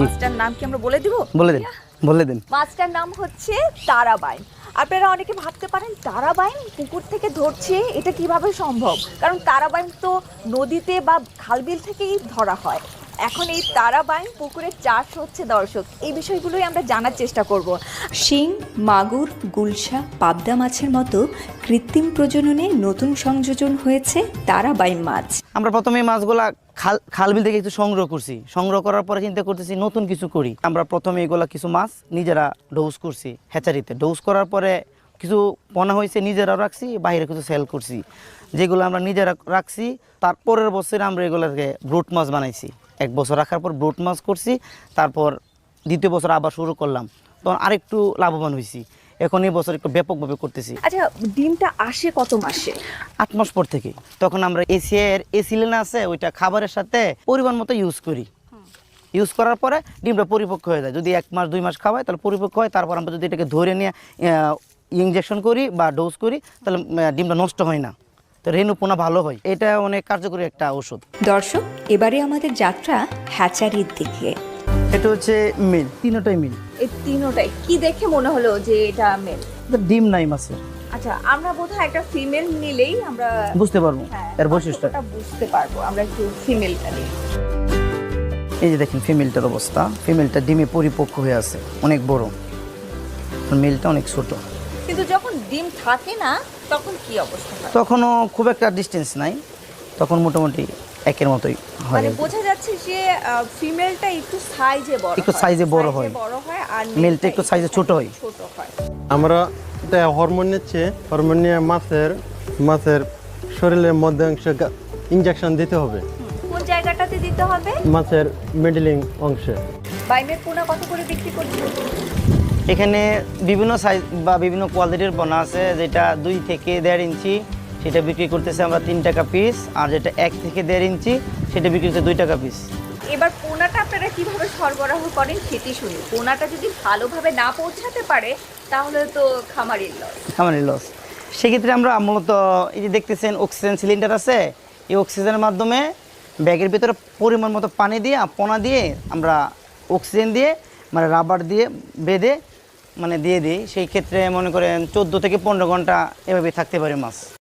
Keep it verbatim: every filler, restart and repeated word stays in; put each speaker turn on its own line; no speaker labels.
মাছটার নাম কি আমরা বলে দিব?
বলে দিন বলে দিন
মাছটার নাম হচ্ছে তারাবাইন। আপনারা অনেকে ভাবতে পারেন তারাবাইন পুকুর থেকে ধরছে, এটা কিভাবে সম্ভব? কারণ তারাবাইন তো নদীতে বা খালবিল থেকেই ধরা হয়। এখন এই তারাবাইন পুকুরে চাষ হচ্ছে দর্শক, এই বিষয়গুলোই আমরা জানার চেষ্টা করব।
শিং, মাগুর, গুলশা, পাবদা মাছের মতো কৃত্রিম প্রজননে নতুন সংযোজন হয়েছে তারাবাইন মাছ।
আমরা প্রথমে এই মাছগুলা খাল খালবিল থেকে একটু সংগ্রহ করছি। সংগ্রহ করার পরে চিন্তা করতেছি নতুন কিছু করি। আমরা প্রথমে এগুলা কিছু মাছ নিজেরা ডোজ করছি হ্যাচারিতে। ডোজ করার পরে কিছু পোনা হয়েছে, নিজেরাও রাখছি, বাইরে কিছু সেল করছি। যেগুলো আমরা নিজেরা রাখছি, তারপরের বছরে আমরা এগুলোকে ব্রুট মাছ বানাইছি। এক বছর রাখার পর ব্রুট মাছ করছি, তারপর দ্বিতীয় বছর আবার শুরু করলাম, তখন আরেকটু লাভবান হয়েছি। এখন এই বছর একটু ব্যাপকভাবে করতেছি।
আচ্ছা, ডিমটা আসে কত মাসে?
আট মাস পর থেকে। তখন আমরা এসিএর এসিলেন আছে, ওইটা খাবারের সাথে পরিমাণ মতো ইউজ করি। ইউজ করার পরে ডিমটা পরিপক্ক হয়ে যায়। যদি এক মাস দুই মাস খাওয়াই তাহলে পরিপক্ক হয়। তারপর আমরা যদি এটাকে ধরে নিয়ে ইঞ্জেকশন করি বা ডোজ করি তাহলে ডিমটা নষ্ট হয় না, তো রেণু পোনা ভালো হয়। এটা অনেক কার্যকরী একটা ওষুধ।
দর্শক, এবারে আমাদের যাত্রা হ্যাচারির দিকে।
এটা হচ্ছে মিল, তিনটাই মিল।
এই তিনোটাই কি দেখে মনে হলো যে এটা মেল?
ডিম নাই মাছের।
আচ্ছা, আমরা বোধহয় একটা ফিমেল নিলেই আমরা
বুঝতে পারবো
হ্যাঁ,
এর বৈশিষ্ট্য
পার্থক্যটা বুঝতে পারবো। আমরা একটু ফিমেলটা নিই।
এই যে দেখেন ফিমেলটার অবস্থা। ফিমেলটা ডিমে পরিপক্ক হয়ে আছে, অনেক বড়। মেলটা অনেক ছোট।
কিন্তু যখন ডিম থাকে না তখন কি অবস্থা হয়?
তখনও খুব একটা ডিস্টেন্স নাই, তখন মোটামুটি একের মতোই হয়।
মানে বোঝা যাচ্ছে যে ফিমেলটা একটু সাইজে বড়,
একটু size এ বড় হয়।
বড় হয় আর
মেলটা একটু size এ ছোট হয়।
ছোট হয়।
আমরা এটা হরমোন নিচ্ছে, হরমোন নিয়ে মাছের মাছের শরীরের মধ্যে অংশে ইনজেকশন দিতে হবে।
কোন জায়গাটাতে দিতে হবে?
মাছের মিডলিং অংশে।
বাইমের পোনা কত করে বিক্রি করছেন?
এখানে বিভিন্ন সাইজ বা বিভিন্ন কোয়ালিটির পোনা আছে, যেটা দুই থেকে দেড় ইঞ্চি সেটা বিক্রি করতেছে আমরা তিন টাকা পিস, আর যেটা এক থেকে দেড় ইঞ্চি সেটা বিক্রি করতে দুই টাকা পিস।
এবার পোনাটা আপনারা কিভাবে সরবরাহ করেন সেটি শুনি। পোনাটা যদি ভালোভাবে না পৌঁছাতে পারে তাহলে তো খামারির লস।
খামারের লস। সেক্ষেত্রে আমরা মূলত এই যে দেখতেছেন অক্সিজেন সিলিন্ডার আছে, এই অক্সিজেনের মাধ্যমে ব্যাগের ভিতরে পরিমাণ মতো পানি দিয়ে পোনা দিয়ে আমরা অক্সিজেন দিয়ে মানে রাবার দিয়ে বেঁধে মানে দিয়ে দিই। সেই ক্ষেত্রে মনে করেন চোদ্দো থেকে পনেরো ঘন্টা এভাবে থাকতে পারে মাছ।